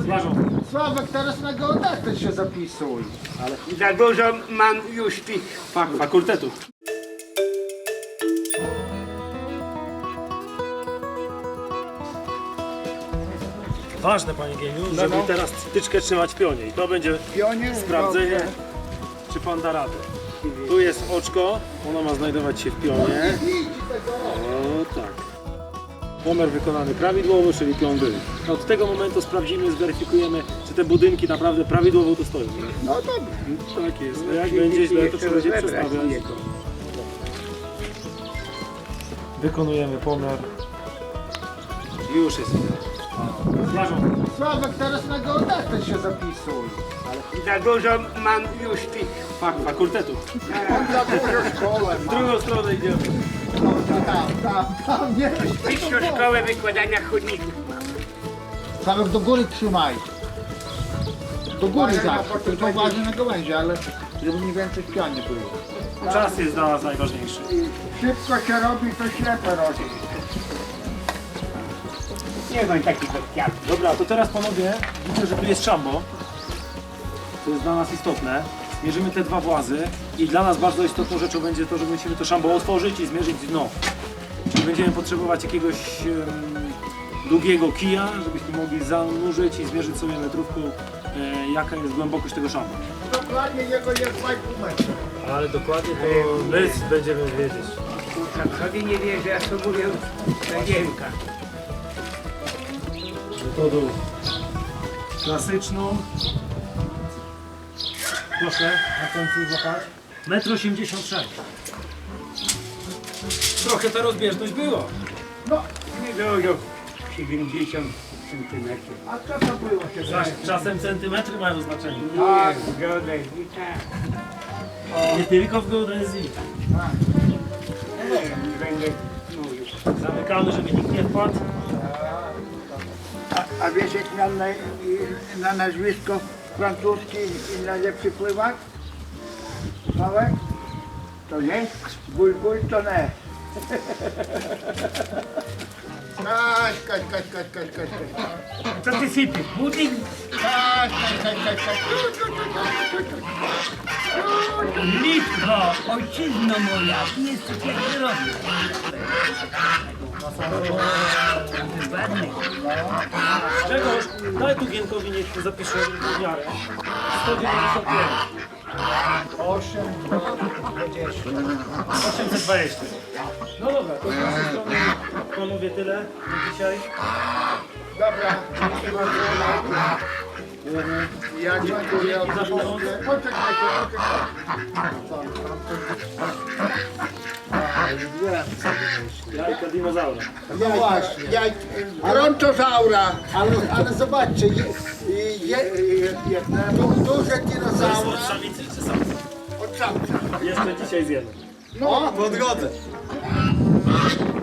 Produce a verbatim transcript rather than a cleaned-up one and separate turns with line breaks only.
Uważam.
Sławek, teraz na geodetę się zapisuj.
Ale
Za dużo mam już tych.
fak, fakultetów. Ważne, panie Gieniu, żeby
no.
teraz tyczkę trzymać w pionie i to będzie
Pionie?
sprawdzenie,
Dobrze.
czy pan da radę. Tu jest oczko, ono ma znajdować się w pionie. O tak. Pomiar wykonany prawidłowo, czyli pion był. Od tego momentu sprawdzimy, zweryfikujemy, czy te budynki naprawdę prawidłowo tu stoją.
No dobrze.
Tak jest. Jak będzie źle, to trzeba będzie przestawiać. Wykonujemy pomiar. Już jest. Uważam.
Sławek, teraz na geodetę się zapisuj.
Za dużo mam już tych.
Fak, fakultetów.
On za dużo szkołę
W
ma.
drugą stronę idziemy.
No, tam, tam, tam, nie
Wyższą szkołę wykładania chodników mam.
Sławek, do góry trzymaj. Do góry zawsze, tylko uważaj na gałęzie, ale żeby mniej więcej w pionie było.
Czas jest dla nas najważniejszy.
Szybko się robi, to ślepe robi.
Nie mam takich odkwiatów.
Dobra, to teraz panowie, widzę, że tu jest szambo. To jest dla nas istotne. Mierzymy te dwa włazy i dla nas bardzo istotną rzeczą będzie to, że musimy to szambo otworzyć i zmierzyć dno. Czyli będziemy potrzebować jakiegoś em, długiego kija, żebyśmy mogli zanurzyć i zmierzyć sobie metrówką, e, jaka jest głębokość tego szamba.
Dokładnie jego jest dwa i pół metra.
Ale dokładnie to my będziemy wiedzieć.
Kurczę, sobie nie wierzę, a co mówią Stagienka.
Metodą klasyczną. Proszę na końcu złapać. metr osiemdziesiąt sześć. Trochę ta rozbieżność była.
No,
Nie dużo. siedemdziesiąt centymetrów.
a co to było się
Czas, czasem centymetry mają znaczenie.
Tak, zgodę. I tak.
Nie tylko w geodezji.
Nie wiem, nie będę mówił.
Zamykamy, żeby nikt nie wpadł.
A, a wiesz jak na, na, na nazwisko francuskie i najlepszy pływak? Sławek? To nie? Bul, bul to nie. Kaś, kaś, kaś, kaś, kaś, kaś, kaś.
Co ty sypiesz? Budyń?
Kaś, kaś, kaś, kaś, kaś.
Litwo, ojczyzno moja, ty jest cukier robię. Ładny.
Czegoś, daj tu Gienkowi, niech zapisze w miarę. sto dziewięćdziesiąt pięć.
Osiem,
osiemset dwadzieścia. No dobra, to z naszej strony panowie tyle na dzisiaj.
dobra. Ja dziękuję.
Dzięki za pomoc.
Poczekajcie, poczekajcie.
Jajka dinozaura.
No właśnie. Ja, Brontozaura. Ale, ale zobaczcie, je, je, je, du, duże dinozaura
Od samicy czy samca?
od samca.
Jeszcze dzisiaj zjemy.
No, po drodze.